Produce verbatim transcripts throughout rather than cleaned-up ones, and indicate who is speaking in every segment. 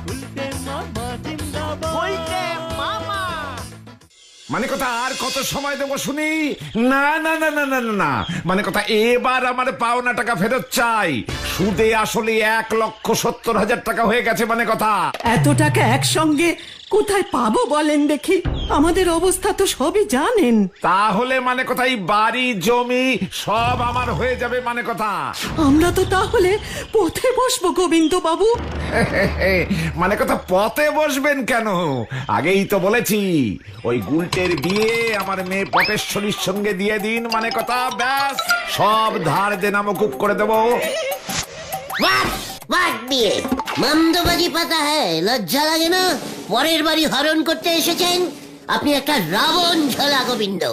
Speaker 1: মানে কথা আর কত সময় দেবো শুনি? না না না না না না না মানে কথা এবার আমার পাওনা টাকা ফেরত চাই। সুদে আসলে এক লক্ষ সত্তর হাজার টাকা হয়ে গেছে। মানে কথা
Speaker 2: এত টাকা একসঙ্গে কোথায় পাবো বলেন দেখি? আমাদের অবস্থা তো সবই জানেন।
Speaker 1: তাহলে মানে কথা এই বাড়ি জমি সব আমার হয়ে যাবে। মানে কথা
Speaker 2: আমরা তো তাহলে পথে বসবো গোবিন্দ বাবু।
Speaker 1: মানে কথা পথে বসবেন কেন? আগেই তো বলেছি ওই গুলটের বিয়ে আমার মেয়ে পটেশ্বরীর সঙ্গে দিয়ে দিন। মানে কথা ব্যাস সব ধার দেনা মকুব করে দেবো।
Speaker 3: বিয়ে মন্দবাজি পাতা হ্যাঁ, লজ্জা লাগে না? পরের বাড়ি হরণ করতে এসেছেন আপনি একটা রাবণ ঝোলা গোবিন্দ।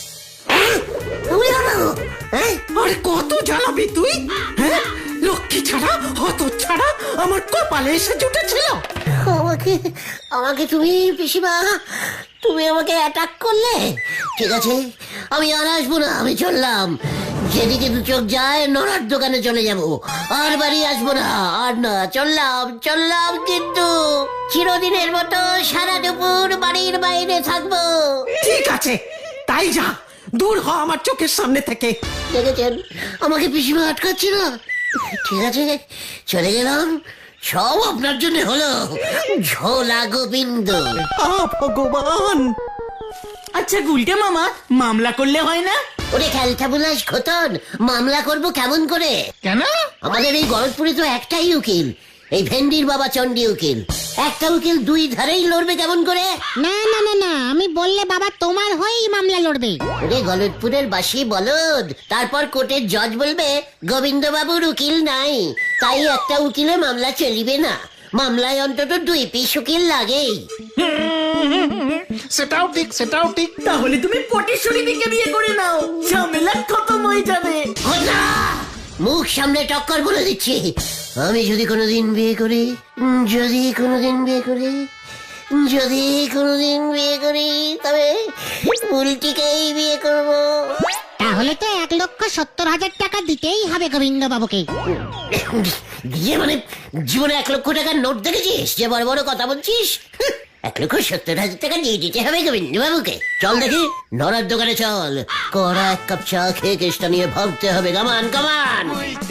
Speaker 2: আর কত জ্বালাবি তুই? হ্যাঁ, লক্ষ্মী ছাড়া হত ছাড়া আমার কপালে এসে জুটেছিল।
Speaker 3: আমাকে আমাকে তুমি পিসিমা তুমি আমাকে অ্যাটাক করলে। ঠিক আছে আমি আর আসবো না, আমি চললাম। যেদিকে দু চোখ যায় নড়ার দোকানে চলে যাব, আর বাড়ি আসবো না। আর না, চললাম চললাম কিন্তু চিরদিনের মতো সারা দুপুর বাড়ির বাইরে থাকবো।
Speaker 2: ঠিক আছে তাই যা, দূর হ আমার চোখের সামনে থেকে।
Speaker 3: দেখেছেন আমাকে পিসিমা আটকাচ্ছি না। ঠিক আছে চলে গেলাম, সব আপনার জন্য হলো ঝোলা গোবিন্দ।
Speaker 2: ভগবান।
Speaker 4: আচ্ছা গুলটে মামা, মামলা করলে হয় না?
Speaker 3: ওরে খেলটা বুলাস খতন, মামলা করব কেমন করে?
Speaker 4: কেন?
Speaker 3: আমাদের এই গলতপুরে তো একটাই উকিল, এই ভেন্ডির বাবা চন্ডী উকিল। একটা উকিল দুই ধারেই লড়বে কেমন করে?
Speaker 5: না না না না, আমি বললে বাবা তোমার হয়েই মামলা লড়বে।
Speaker 3: ওরে গলতপুরের বাসি বলদ, তারপর কোর্টের জজ বলবে গোবিন্দ বাবুর উকিল নাই, তাই একটা উকিলে মামলা চলিবে না। মামলায় অন্তত দুই পিস উকিল লাগেই।
Speaker 4: সেটাও ঠিক, সেটাও ঠিক।
Speaker 2: তাহলে তুমি পটেশ্বরী দিকে বিয়ে করে নাও, ঝামেলা খতম হয়ে যাবে।
Speaker 3: খোদা! মুখ সামনে টক্কর বলে দিচ্ছি, আমি যদি কোনোদিন বিয়ে করি, যদি কোনোদিন বিয়ে করি, যদি কোনোদিন বিয়ে করি তবে উল্টিকেই বিয়ে করব।
Speaker 5: তাহলে তো এক লক্ষ সত্তর হাজার টাকা দিতেই হবে গোবিন্দ বাবুকে।
Speaker 3: দিয়ে মানে জীবনে এক লক্ষ টাকার নোট দেখেছিস যে বড় বড় কথা বলছিস? এক লক্ষ সত্তর হাজার টাকা দিয়ে দিতে হবে গোবিন্দ বাবুকে। চল দেখি নড়ার দোকানে চল, কড়া এক কাপ চা খেয়ে কেসটা নিয়ে ভাবতে হবে। কামান কামান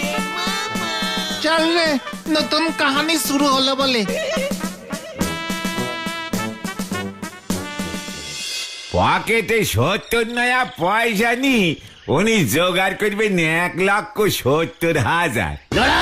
Speaker 4: চল রে, নতুন কাহানি শুরু হলো বলে।
Speaker 1: পকেটে সত্তর নয়া পয়সা নি, উনি জোগাড় করবেন এক লক্ষ সত্তর হাজার।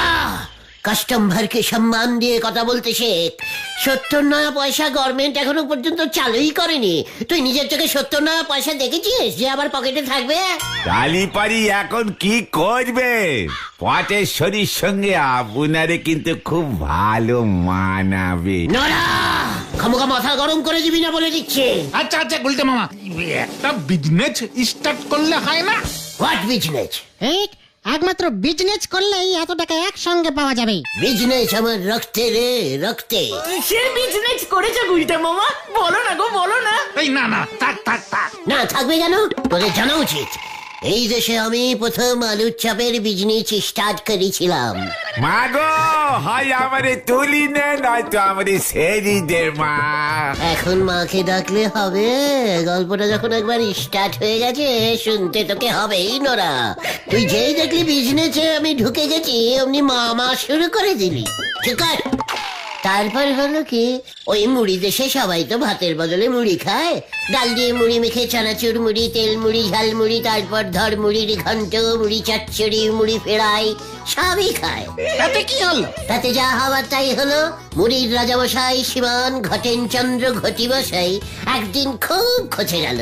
Speaker 3: কাস্টম ভারকে সম্মান দিয়ে কথা বলতে শেখ। সত্তর নয়া পয়সা গভর্নমেন্ট এখনো পর্যন্ত চালুই করেনি। তুই নিজের চোখে সত্তর নয়া পয়সা দেখেছিস যে আবার পকেটে থাকবে?
Speaker 1: কালীপাড়ি এখন কি করবে? পটেশ্বরীর সঙ্গে আপনারে কিন্তু খুব ভালো মানাবে।
Speaker 3: নড়া খামোখা মাথা গরম করে দিবি না বলে দিচ্ছে।
Speaker 4: আচ্ছা আচ্ছা গুলটে মামা, একটা বিজনেস স্টার্ট করলে হয় না?
Speaker 3: What business?
Speaker 5: ঠিক, একমাত্র বিজনেস করলেই এত টাকা একসঙ্গে পাওয়া যাবে।
Speaker 3: বিজনেস আমার রক্তে রে, রক্তে।
Speaker 2: সে বিজনেস করেছে গুলটে মামা, বলো না গো বলো না।
Speaker 4: এই না না, থাক থাক থাক।
Speaker 3: না থাকবে কেন? তোদের জানা উচিত এই দেশে আমি প্রথম আলুর চাপের বিজনেস স্টার্ট করেছিলাম।
Speaker 1: মাগো হয় আমারে তুলি নে, নয়তো আমারে সেরি দে মা।
Speaker 3: এখন মাকে ডাকলে হবে? গল্পটা যখন একবার স্টার্ট হয়ে গেছে শুনতে তোকে হবেই। নোরা তুই যেই দেখলি বিজনেসে আমি ঢুকে গেছি অমনি মামা শুরু করে দিলি। ঠিক আছে, তারপর হলো কি, ওই মুড়ি দেশে সবাই তো ভাতের বদলে মুড়ি খায়। ডাল দিয়ে মুড়ি মেখে চানাচুর মুড়ি, তেল মুড়ি, ঝাল মুড়ি, তারপর ধর মুড়ির ঘন্ট, মুড়ি চচ্চড়ি, মুড়ি ফেরাই সবই খায়।
Speaker 4: তাতে কি হলো?
Speaker 3: তাতে যা হওয়ার তাই হলো। মুড়ির রাজামশাই শ্রীমান ঘটেন চন্দ্র ঘটি বসাই একদিন খুব খচে গেল।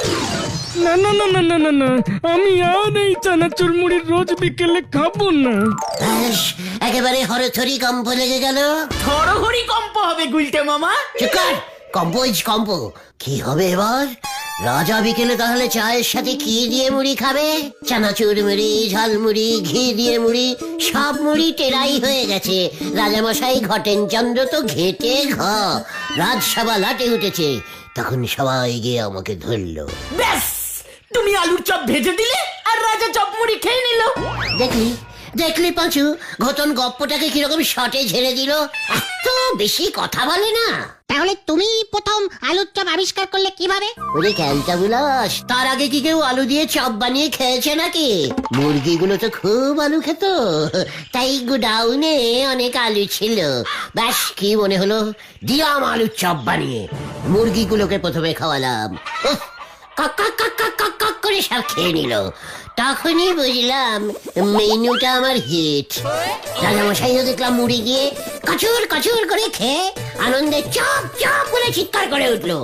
Speaker 6: না না না না না না না, আমি আর এই চানাচুর মুড়ির রোজ বিকেলে খাবো না।
Speaker 3: ব্যাস, একেবারে হরথরি কম্প লেগে গেল।
Speaker 2: হরহরি কম্প হবে গুলটে মামা।
Speaker 3: চুকার কম্প ইজ কম্প। কি হবে এবার? রাজা বিকেলে তাহলে চায়ের সাথে কি দিয়ে মুড়ি খাবে? চানাচুর মুড়ি, ঝাল মুড়ি, ঘি দিয়ে মুড়ি, সব মুড়ি টেরাই হয়ে গেছে। রাজামশাই ঘটেন চন্দ্র তো ঘেটে ঘ। রাজসভা লাটে উঠেছে। তখন সবাই গিয়ে আমাকে ধরলো।
Speaker 2: ব্যাস, তুমি আলুর চপ ভেজে দিলে আর রাজা চপ মুড়ি খেয়ে নিল।
Speaker 3: দেখলি দেখলি পাঁচু, ঘটন গপ্পটাকে কিরকম শটে ঝেড়ে দিল। এত বেশি কথা বলে না।
Speaker 5: তাহলে তুমি প্রথম আলুর চপ আবিষ্কার করলে কিভাবে?
Speaker 3: ওরে ক্যালটা বুলাস, তার আগে কি কেউ আলু দিয়ে চপ বানিয়ে খেয়েছে নাকি? মুরগিগুলো তো খুব আলু খেত, তাই গোডাউনে অনেক আলু ছিল। ব্যাস কি মনে হলো, দিলাম আলুর চপ বানিয়ে। মুরগিগুলোকে প্রথমে খাওয়ালাম, উফ, কক কক কক কক কক কক করে সব খেয়ে নিল। তখনই বুঝলাম মেনুটা আমার হিট। রাজামশাইও দেখলাম মুড়ি গিয়ে কচুর কচুর করে খেয়ে আনন্দে চপ চপ করে চিৎকার করে উঠলো।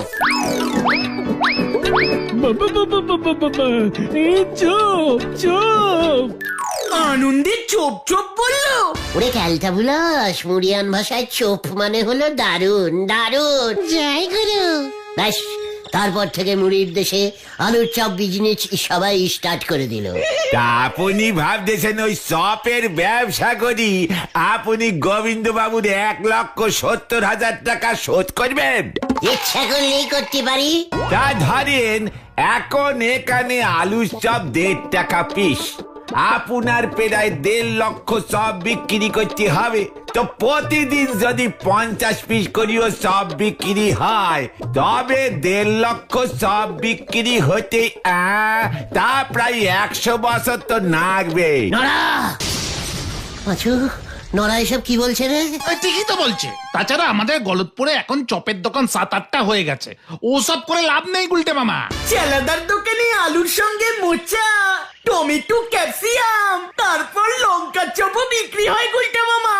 Speaker 6: বাবা বাবা বাবা বাবা, এই চপ চপ।
Speaker 2: আনন্দে চোপ চোপ বললো।
Speaker 3: ওরে ক্যালটা বুলাস, মুড়িয়ান ভাষায় চোপ মানে হলো দারুন দারুন।
Speaker 5: জয় গুরু।
Speaker 3: ব্যাস তারপর থেকে মুড়ির দেশে আলুর চপ বিজনেস সবাই স্টার্ট করে দিল।
Speaker 1: তা আপনি ভাবতেছেন ওই চপের ব্যবসা করি আপনি গোবিন্দ বাবুর এক লক্ষ সত্তর হাজার টাকা শোধ করবেন?
Speaker 3: ইচ্ছা করলেই করতে পারি।
Speaker 1: তা ধরেন এখন এখানে আলুর চপ দেড় টাকা পিস, আপনার প্রায় দেড় লক্ষ চপ বিক্রি করতে হবে। তো প্রতিদিন যদি পঞ্চাশ পিস করিও চপ বিক্রি হয়, তবে দেড় লক্ষ চপ বিক্রি হতে আহ, তা প্রায় একশো বছর তো লাগবে।
Speaker 3: নড়া পাঁচু, নড়া এসব কি বলছে রে?
Speaker 4: এই ঠিকই তো বলছে। তাছাড়া আমাদের গলতপুরে এখন চপের দোকান সাত আটটা হয়ে গেছে, ওসব করে লাভ নেই গুলটে মামা।
Speaker 2: চেলাদার দোকানে আলুর সঙ্গে মোচা, টমেটো, ক্যাপসিয়াম, তারপর লঙ্কা চপও বিক্রি হয় গুলটা মামা।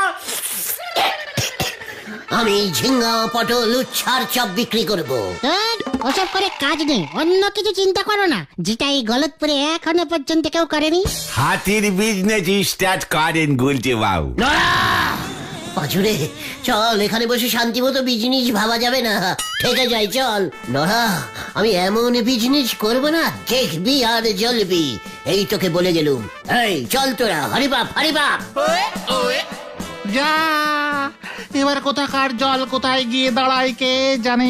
Speaker 3: আমি ঝিঙ্গা পটল উচ্ছার চপ বিক্রি করব।
Speaker 5: ধ্যাৎ, ওসব করে কাজ নেই, অন্য কিছু চিন্তা করো না, যেটা এই গলতপুরে এখনো পর্যন্ত কেউ করেনি।
Speaker 1: হাতির বিজনেস স্টার্ট করেন গুলটে বাবু।
Speaker 3: পাঁচুরে চল, এখানে বসে শান্তি মতো বিজনেস ভাবা যাবে না, থেকে যাই চল। নড়া, আমি এমন বিজনেস করব না, দেখবি আর জ্বলবি, এই তোকে বলে গেলুম। এই চল তোরা, হরিবাপ হরিবাপ।
Speaker 4: যা, এবার কোথাকার জল কোথায় গিয়ে দাঁড়ায় কে জানে।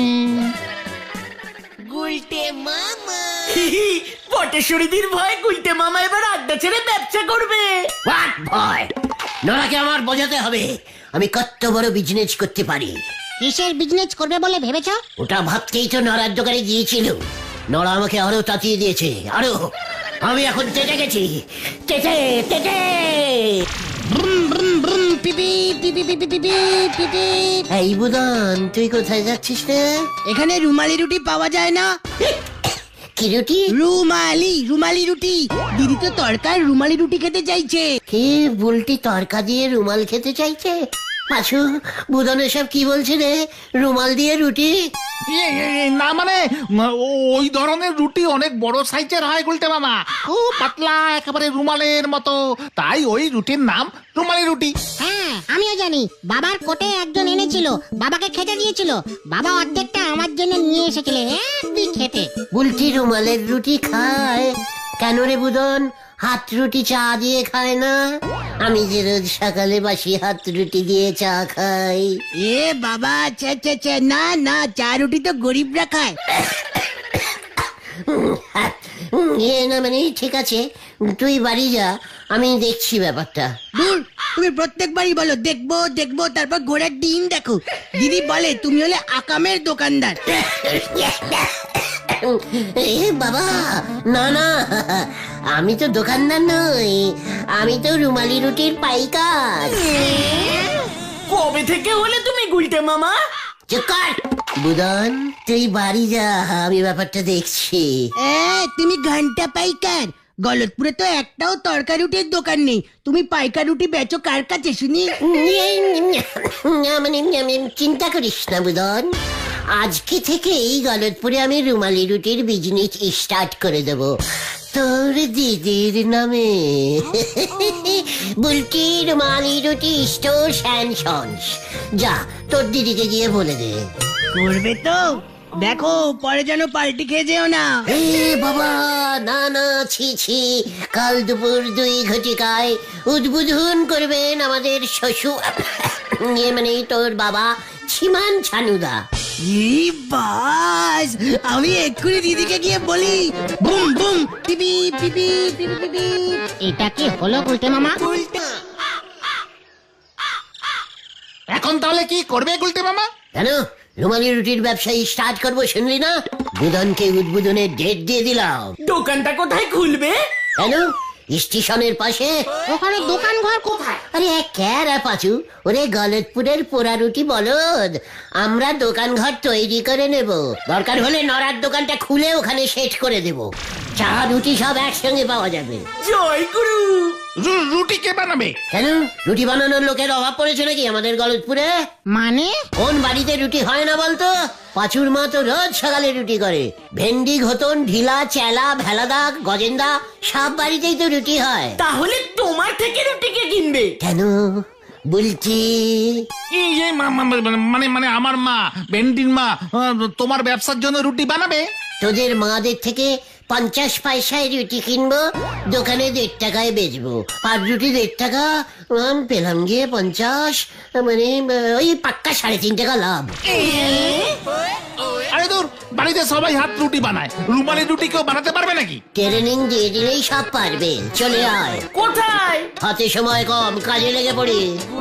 Speaker 2: পটেশ্বরীদের ভয় গুলটে মামা এবার আড্ডা ছেড়ে ব্যবসা করবে।
Speaker 3: হোয়াট ভয়? নড়াকে আমার বোঝাতে হবে আমি কত বড় বিজনেস করতে পারি।
Speaker 5: কিসের বিজনেস করবে বলে ভেবেছ?
Speaker 3: ওটা ভাবতেই তো নড়ার দোকানে গিয়েছিল। নড়া আমাকে আরো তাতিয়ে দিয়েছে, আরো। আমি এখন তেটে গেছি, তেটে তেটে।
Speaker 5: ব্রুম ব্রুম ব্রুম, পিপি পিপি পিপি পিপি পিপি।
Speaker 3: এই বুদন, তুই কোথায় যাচ্ছিস রে?
Speaker 2: এখানে রুমালি রুটি পাওয়া যায় না?
Speaker 3: কি রুটি?
Speaker 2: রুমালি রুমালি রুটি। দিদি তো তরকার রুমালি রুটি খেতে চাইছে।
Speaker 3: কি বুলটি তরকা দিয়ে রুমাল খেতে চাইছে? পাশু, বুদন এসব কি বলছে রে? রুমাল দিয়ে রুটি?
Speaker 4: এ, এ, এ, না মানে ম- ও- ওই ধরনের রুটি অনেক বড় সাইজের হয় গুলটে মামা, খুব পাতলা, একেবারে রুমালের মতো, তাই ওই রুটির নাম রুমালি রুটি।
Speaker 5: হ্যাঁ, আমিও জানি, বাবার কোটে একজন এনেছিল, বাবাকে খেতে দিয়েছিল, বাবা অর্ধেকটা আমার জন্য নিয়ে এসেছিল একদিন খেতে।
Speaker 3: বুলটি রুমালের রুটি খায় কেন রে বুদন? হাত রুটি চা দিয়ে খায় না? আমি যে রোজ সকালে বাসি হাত রুটি দিয়ে চা খাই।
Speaker 2: এ বাবা, চা চা চা, না না, চা রুটি তো গরিবরা খায়।
Speaker 3: এ না মানে ঠিক আছে, তুই বাড়ি যা, আমি দেখছি ব্যাপারটা।
Speaker 2: দূর, তুমি প্রত্যেকবারই বলো দেখবো দেখবো, তারপর ঘোড়ার ডিম দেখো। দিদি বলে তুমি হলে আকামের দোকানদার।
Speaker 3: এ বাবা, না না, আমি তো দোকানদার নই, আমি তো রুমালি রুটির পাইকার।
Speaker 2: কবে থেকে হলে তুমি গুলটে মামা?
Speaker 3: চুপ কর বুদন, তুই বাড়ি যা, আমি ব্যাপারটা দেখছি।
Speaker 2: এ, তুমি ঘন্টা পাইকার। গলতপুরে তো একটাও তরকারি রুটির দোকান নেই, তুমি পাইকার রুটি বেচো কার কাছে শুনি?
Speaker 3: মানে আমি চিন্তা করিস না বুদন, আজকে থেকেই গলতপুরে আমি রুমালি রুটির বিজনেস স্টার্ট করে দেব, তোর দিদির নামে। বুলটি রুমালি রুটি স্টোর অ্যান্ড সন্স। যা, তোর দিদিকে গিয়ে বলে দে।
Speaker 2: করবে তো? দেখো পরে যেন পাল্টি খেয়ে যেও না।
Speaker 3: এ বাবা, না না, ছি ছি, কাল দুপুর দুই ঘটিকায় উদ্বোধন করবেন আমাদের শ্বশুর, ইয়ে মানে তোর বাবা ছিমান ছানুদা।
Speaker 2: কি বাস, আমি এক্ষুনি দিদিকে গিয়ে বলি বুম বুম পিপি পিপি পিপি পিপি।
Speaker 5: এটা কি হলো গুলটে মামা?
Speaker 4: এখন তাহলে কি করবে গুলটে মামা?
Speaker 3: কেন রুমালি রুটির ব্যবসায়ী স্টার্ট করবো শুনলি না? বুধনকে উদ্বোধনের ডেট দিয়ে দিলাম।
Speaker 2: দোকানটা কোথায় খুলবে?
Speaker 3: কেন স্টেশনের পাশে?
Speaker 5: ওখানে দোকান ঘর কোথায়?
Speaker 3: আরে ক্যারা পাচু, ওরে গলতপুরের পোড়া রুটি বলদ, আমরা দোকান ঘর তৈরি করে নেব। দরকার হলে নড়ার দোকানটা খুলে ওখানে সেট করে দেব। চা রুটি সব একসঙ্গে পাওয়া যাবে।
Speaker 2: জয় গুরু।
Speaker 4: রু- রুটি কে বানাবে?
Speaker 3: কেন রুটি বানানোর লোকের অভাব পড়েছে নাকি আমাদের গলতপুরে?
Speaker 5: মানে
Speaker 3: কোন বাড়িতে রুটি হয় না বলতো? পাঁচুর মা তো রোজ সকালে রুটি করে। ভেন্ডি, ঘতন, ঢিলা, চেলা, ভেলাদা, গজেন্দা সব বাড়িতেই তো রুটি হয়।
Speaker 2: তাহলে তোমার থেকে রুটি কে কিনবে?
Speaker 3: কেন বলছি?
Speaker 4: এই যে মা- মা- মা- মানে মানে আমার মা বেন্টির মা আহ, তোমার ব্যবসার জন্য রুটি বানাবে?
Speaker 3: তোদের মাদের থেকে পঞ্চাশ পয়সায় রুটি কিনবো, দোকানে দেড় টাকায় বেচবো। আর রুটি দেড় টাকা, আম, পেলাম গিয়ে পঞ্চাশ, মানে আহ, ওই পাক্কা সাড়ে তিন টাকা লাভ।
Speaker 4: আরে দূর, বাড়িতে সবাই হাত রুটি বানায়, রুমালি রুটি কেউ বানাতে পারবে নাকি?
Speaker 3: ট্রেনিং দিয়ে দিলেই সব পারবে। চলে আয়।
Speaker 2: কোথায়?
Speaker 3: হাতে সময় কম, কাজে লেগে পড়ি।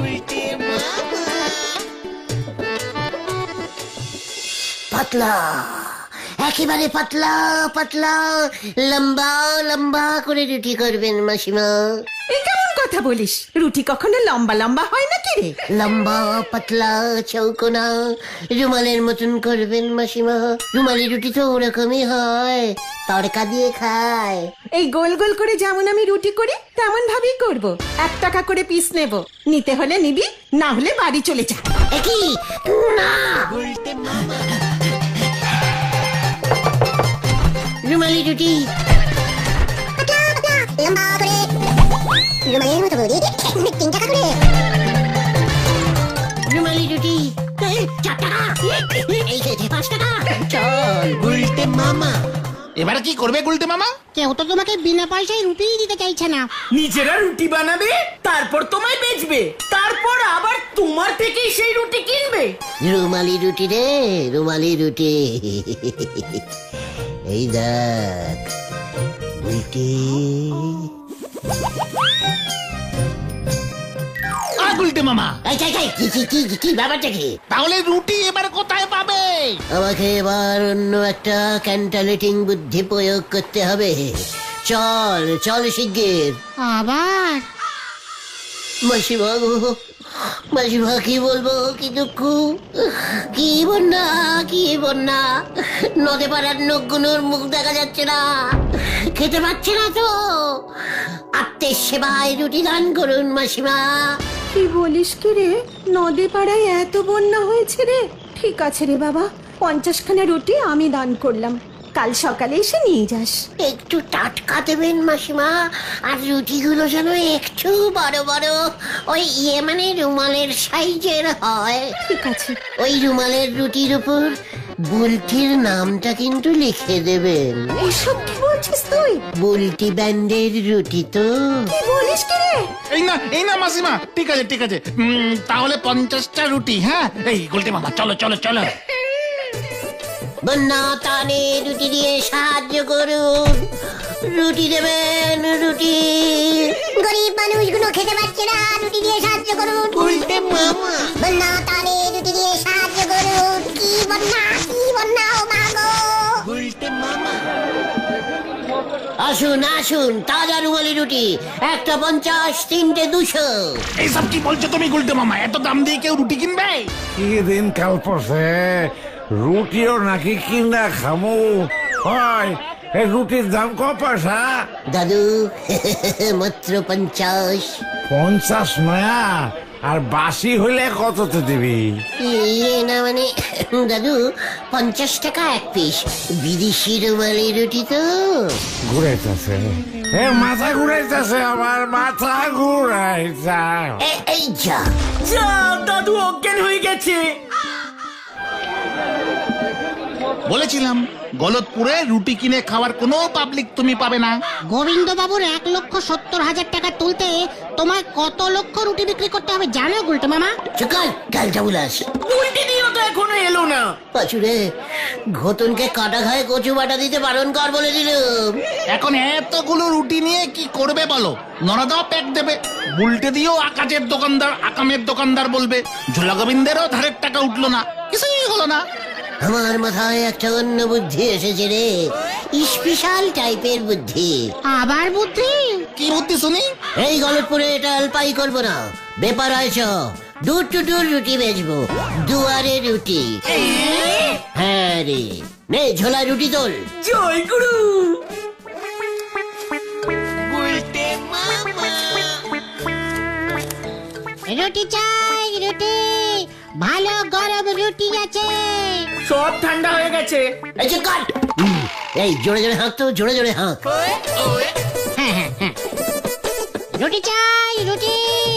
Speaker 3: পাতলা, একেবারে পাতলা পাতলা, লম্বা লম্বা করে রুটি করবেন মাসিমা।
Speaker 7: এ কেমন কথা বলিস? রুটি কখনো লম্বা লম্বা হয় নাকি রে?
Speaker 3: লম্বা পাতলা চৌকোনা রুমালের মতন করবেন মাসিমা। রুমালি রুটি তো ওরকমই হয়, তড়কা দিয়ে খায়।
Speaker 7: এই গোল গোল করে যেমন আমি রুটি করি তেমন ভাবেই করব। এক টাকা করে পিস নেব, নিতে হলে নিবি, না হলে বাড়ি চলে যা।
Speaker 3: একই না, রুমালি রুটি রুমালি রুটি চার টাকা, এই খেতে পাঁচ টাকা। চল উল্টে মামা।
Speaker 4: এবারে কি করবে গুলটে মামা?
Speaker 5: কেউ তো তোমাকে বিনা পয়সায় রুটিই দিতে চাইছে না।
Speaker 2: নিজেরা রুটি বানাবে, তারপর তোমায় বেচবে, তারপর আবার তোমার থেকেই সেই রুটি কিনবে।
Speaker 3: রুমালি রুটি রে, রুমালি রুটি। এই দেখ রুটি।
Speaker 4: আ গুলটে মামা,
Speaker 3: এই, এই, এই, কি কি কি কি ব্যাপারটা কি?
Speaker 4: তাহলে রুটি এবার কোথায় পাবে?
Speaker 3: আমাকে এবার অন্য একটা ক্যান্টালেটিং বুদ্ধি প্রয়োগ করতে হবে। চল চল শিগগির।
Speaker 5: আবার
Speaker 3: মাসিমা গো, মাসিমা কি বলবো, কি দুঃখ, কি বন্যা, কি বন্যা। নদে পাড়ার নখগুলোর মুখ দেখা যাচ্ছে না, খেতে পাচ্ছে না তো। আত্মের সেবায় রুটি দান করুন মাসিমা।
Speaker 7: কি বলিস কি রে? নদী পাড়ায় এত বন্যা হয়েছে রে? ঠিক আছে রে বাবা, পঞ্চাশ খানা রুটি আমি দান করলাম, কাল সকালে এসে নিয়ে যাস।
Speaker 3: একটু টাটকা দেবেন মাসিমা, আর রুটিগুলো যেন একটু বড় বড়, ওই ইয়ে মানে রুমালের সাইজের হয়।
Speaker 7: ঠিক আছে।
Speaker 3: ওই রুমালের রুটির উপর বুলটির নামটা কিন্তু লিখে দেবেন।
Speaker 7: এসব কি বলছিস তুই?
Speaker 3: বুলটি ব্যান্ডের রুটি তো।
Speaker 7: কি বলিস কি রে?
Speaker 4: এই না এই না মাসিমা, ঠিক আছে ঠিক আছে, উম, তাহলে পঞ্চাশটা রুটি। হ্যাঁ, এই গুলটে মামা চলো চলো চলো।
Speaker 3: বন্যা টানে রুটি দিয়ে সাহায্য করুন, রুটি দেবেন রুটি। গরিব মানুষগুলো খেতে পারছে না, রুটি দিয়ে সাহায্য করুন। উল্টে মামা। বন্যা টানে রুটি দিয়ে সাহায্য করুন। কি বন্যা, কি বন্যা, ও মা গো। উল্টে মামা। আসুন আসুন, তাজা রুমালি রুটি, একটা পঞ্চাশ, তিনটে দুশো।
Speaker 4: এইসব কি বলছো তুমি গুলটে মামা? এত দাম দিয়ে কেউ রুটি কিনবে?
Speaker 1: কি দিন কাল পড়ছে, রুটিও নাকি কিনা খামু হয়? এই রুটির দাম ক পয়সা?
Speaker 3: দাদু মাত্র পঞ্চাশ।
Speaker 1: পঞ্চাশ নয়া, আর বাসি হইলে কততে দিবি?
Speaker 3: ইয়ে না মানে দাদু, পঞ্চাশ টাকা এক পিস। বিদেশি রুমালি রুটি তো।
Speaker 1: ঘুরাইতেছে, এ মাথা ঘুরাইতেছে, আমার মাথা ঘুরাইছে।
Speaker 3: এ- এই যা।
Speaker 2: যা, দাদু অজ্ঞান হয়ে গেছে।
Speaker 4: বলেছিলাম গলতপুরে রুটি কিনে খাওয়ার কোনো পাবলিক তুমি পাবে না।
Speaker 5: গোবিন্দ বাবুর এক লক্ষ সত্তর হাজার টাকা তুলতে তোমায় কত লক্ষ রুটি বিক্রি করতে হবে জানো গুলটে মামা?
Speaker 3: চুকাল কালটা বুলাস
Speaker 2: উল্টে দিও তো এখনো এলো না।
Speaker 3: পাচুরে ঘটনকে কাটা খায় কচু বাটা দিতে বারণ কর বলে দিলাম।
Speaker 4: এখন এতগুলো রুটি নিয়ে কি করবে বলো? নরদাও প্যাক দেবে, বুলটে দিয়েও আকাশের দোকানদার আকামের দোকানদার বলবে, ঝোলা গোবিন্দেরও ধারের টাকা উঠলো না, কিছুই হলো না।
Speaker 3: আমার মাথায় একটা অন্য বুদ্ধি এসেছে রে, স্পেশাল টাইপের বুদ্ধি।
Speaker 5: আবার বুদ্ধি?
Speaker 4: কি বুদ্ধি শুনি?
Speaker 3: এই গলতপুরে এটা অল্পাই করবো না, ব্যাপার আয়ছ দূর টু দূর রুটি বেচবো, দুয়ারে রুটি। হ্যাঁ রে, নে ঝোলা রুটি তোল।
Speaker 2: জয় গুরু।
Speaker 5: রুটি চাই রুটি, ভালো গরম রুটি আছে।
Speaker 2: সব ঠান্ডা হয়ে গেছে।
Speaker 3: এই যে কাট, এই জোরে জোরে হাঁক তো, জোরে জোরে হাঁক।
Speaker 5: হ্যাঁ হ্যাঁ হ্যাঁ, রুটি চাই রুটি।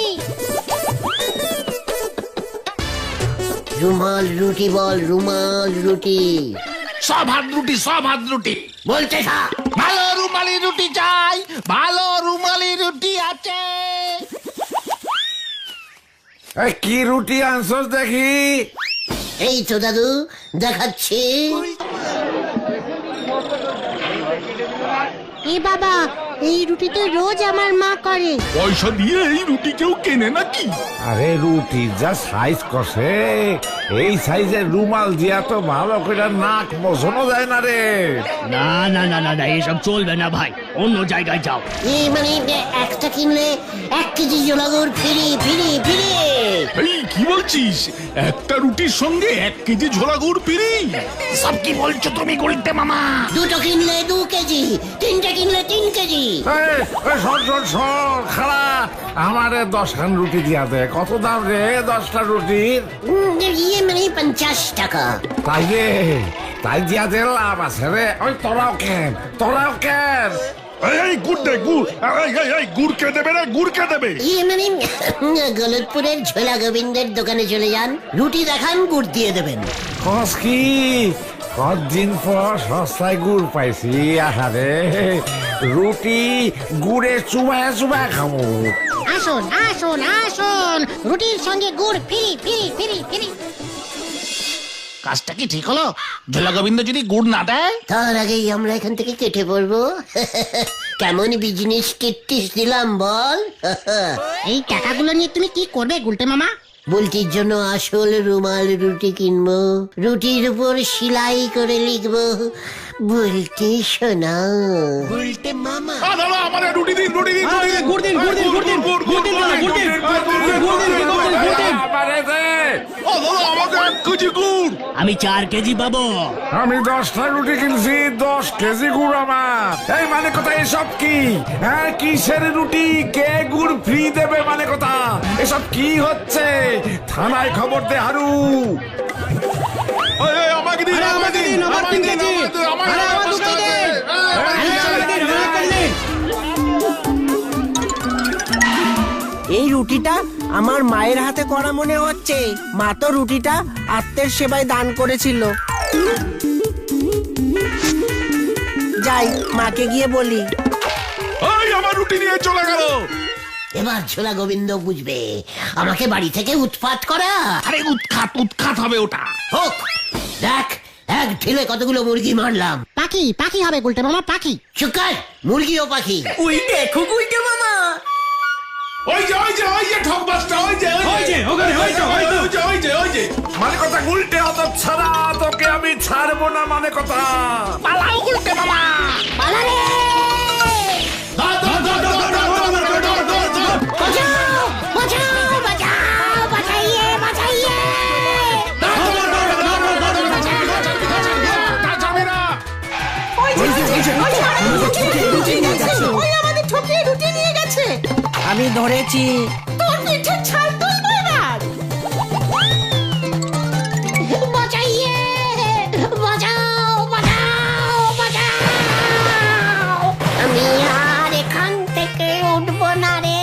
Speaker 3: রুমাল রুটি বল, রুমাল রুটি।
Speaker 4: সব হাত রুটি, সব হাত রুটি
Speaker 3: বলতে থাক।
Speaker 4: ভালো রুমালি রুটি চাই, ভালো রুমালি রুটি আছে।
Speaker 1: এই কি রুটি আনছস দেখি?
Speaker 3: এই তো দাদু দেখাচ্ছি।
Speaker 5: এ বাবা, এই রুটি তো রোজ আমার মা করে।
Speaker 6: পয়সা দিয়ে এই রুটি কেউ কেনে নাকি?
Speaker 1: আরে রুটির যা সাইজ কষে, এই সাইজের রুমাল দিয়া তো ভালো করে নাক বসানো যায় না রে।
Speaker 8: না না না না না এসব চলবে না ভাই, অন্য জায়গায় যাও।
Speaker 3: এই মানে একটা কিনলে এক কেজি জোলাগুড় ফিরি ফিরি ফিরি।
Speaker 6: এই কি বলছিস? একটা রুটির সঙ্গে এক কেজি ঝোলা গুড় পিরি?
Speaker 4: সব কি বলছো তুমি গুলটে মামা?
Speaker 3: দুটো কিনলে দু কেজি, তিনটে কিনলে তিন কেজি।
Speaker 1: এই, এই সর সর সর খারাপ, আমারে দশখান রুটি দিয়া দে। কত দাম রে দশটা রুটির?
Speaker 3: উম, ইয়ে মানে পঞ্চাশ টাকা।
Speaker 1: তাই রে, তাই দিয়া দে, লাভ আছে রে। ওই তোরাও কেন, তোরাও কেন?
Speaker 6: এই গুড় দে, গুড়। এই এই এই গুড় কে দেবে রে? গুড় কে দেবে?
Speaker 3: ইয়ে মানে গলতপুরের ঝোলা গোবিন্দের দোকানে চলে যান, রুটি দেখান, গুড় দিয়ে দেবেন।
Speaker 1: কস কি কদিন পর সস্তায় গুড় পাইছি। আহারে রুটি গুড়ে চুবায় চুবায় খাবো।
Speaker 5: আসুন আসুন আসুন, রুটির সঙ্গে গুড় ফিরি ফিরি ফিরি ফিরি।
Speaker 4: কাজটা কি ঠিক হলো? ঝোলা গোবিন্দ যদি গুড় না দেয়?
Speaker 3: তার আগেই আমরা এখান থেকে কেটে পড়বো। কেমন বিজনেস কিট্টিস দিলাম বল।
Speaker 5: এই টাকাগুলো নিয়ে তুমি কি করবে গুলটে মামা?
Speaker 3: বুলটির জন্য আসল রুমাল রুটি কিনবো, রুটির উপর সেলাই করে লিখবো বুলটি সোনা। বুলটে মামা।
Speaker 6: আ দাদা আমারে রুটি দিন, রুটি দিন, রুটি দিন।
Speaker 8: গুড় দিন, গুড় দিন, গুড় দিন,
Speaker 6: গুড়,
Speaker 8: গুড় দিন,
Speaker 6: গুড়,
Speaker 8: দাদা, গুড় দিন,
Speaker 6: গুড়,
Speaker 8: গুড় দিন,
Speaker 6: গুড়,
Speaker 8: গুড় দিন,
Speaker 6: গুড়,
Speaker 8: গুড় দিন, গুড় দিন।
Speaker 1: আমারে দে।
Speaker 6: ও দাদা আমাকে এক কেজি গুড়।
Speaker 8: আমি চার কেজি পাবো।
Speaker 1: আমি দশটা রুটি কিনছি, দশ কেজি গুড় আমার। এই মানে কথা এসব কি? হ্যাঁ কিসের রুটি? কে গুড় ফ্রি দেবে মানে কথা? এসব কি হচ্ছে? থানায় খবর দে হারু।
Speaker 6: এই, এই, আমাকে দিন,
Speaker 8: আরে,
Speaker 6: আমাকে
Speaker 8: আমাকে
Speaker 6: দিন,
Speaker 8: দিন, আমার
Speaker 6: আমাকে
Speaker 8: তিন
Speaker 6: দিন,
Speaker 8: কেজি।
Speaker 6: আমাকে দিন, আমাকে
Speaker 8: আরে,
Speaker 6: দিন,
Speaker 8: আমার দু
Speaker 6: আমাকে
Speaker 8: কেজি।
Speaker 6: দিন।
Speaker 8: আরে, আমাকে দিন, আমাকে দিন।
Speaker 2: এই রুটিটা আমার মায়ের হাতে করা মনে হচ্ছে। মা তো রুটিটা আত্মের সেবায় দান করেছিল। যাই মাকে গিয়ে বলি।
Speaker 6: এই আমার রুটি নিয়ে চলে গেল।
Speaker 3: এবার ঝোলা গোবিন্দ বুঝবে আমাকে বাড়ি থেকে উৎপাত করা।
Speaker 4: আরে উৎখাত উৎখাত হবে ওটা।
Speaker 3: হোক, দেখ এক ঢিলে কতগুলো মুরগি মারলাম।
Speaker 5: পাখি পাখি হবে গুলটে মামা, পাখি।
Speaker 3: চুকার, মুরগি ও পাখি।
Speaker 2: ওই দেখো গুলটে মামা।
Speaker 6: ওই যে ওই যে ওই যে ঠকবাসটা, ওই যে
Speaker 8: ওই যে, ওখানে, ওই তো, ওই তো।
Speaker 6: ওই যে ওই যে ওই যে
Speaker 1: মানে কথা গুলটে অত ছাড়া তোকে আমি ছাড়বো না মানে কথা।
Speaker 4: পালাও গুলটে মামা।
Speaker 5: পালারে! বাঁচাও বাঁচাও বাঁচাও, বাঁচাইয়ে বাঁচাইয়ে।
Speaker 7: ওই আমাদের ঠকিয়ে রুটি নিয়ে গেছে।
Speaker 2: আমি ধরেছি।
Speaker 7: তোর পিঠে ছাল তুলবো এবার।
Speaker 5: বাঁচাইয়ে বাঁচাও বাঁচাও বাঁচাও।
Speaker 3: আমি আর এখান থেকে উঠবো না রে।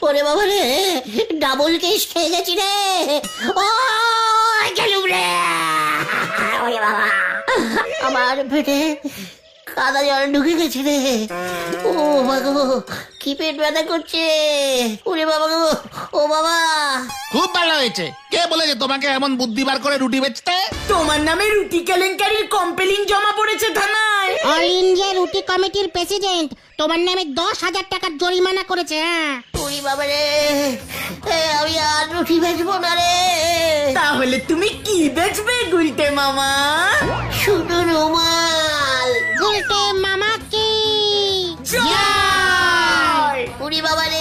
Speaker 3: ওরে বাবা রে, ডাবল কেস খেয়ে গেছি রে। ও গেলুম রে। ওরে বাবা, আমার পেটে কাদা জল ঢুকে গেছে রে। ও বাবা গো, কি পেট ব্যথা করছে। ওরে বাবা গো, ও বাবা।
Speaker 4: খুব ভালো হয়েছে। কে বলেছে তোমাকে এমন বুদ্ধি বার করে রুটি বেচতে?
Speaker 2: তোমার নামে রুটি কেলেঙ্কারির কমপ্লেইন জমা পড়েছে থানায়।
Speaker 5: অল ইন্ডিয়া রুটি কমিটির প্রেসিডেন্ট তোমার নামে দশ হাজার টাকার জরিমানা করেছে। হ্যাঁ
Speaker 3: ওরে বাবা রে, এ, আমি আর রুটি বেচবো না রে।
Speaker 2: তাহলে তুমি কি বেচবে গুলটে মামা?
Speaker 3: শুধু রুমাল।
Speaker 5: গুলটে মামা কি
Speaker 2: জয়!
Speaker 3: ওরে বাবা রে,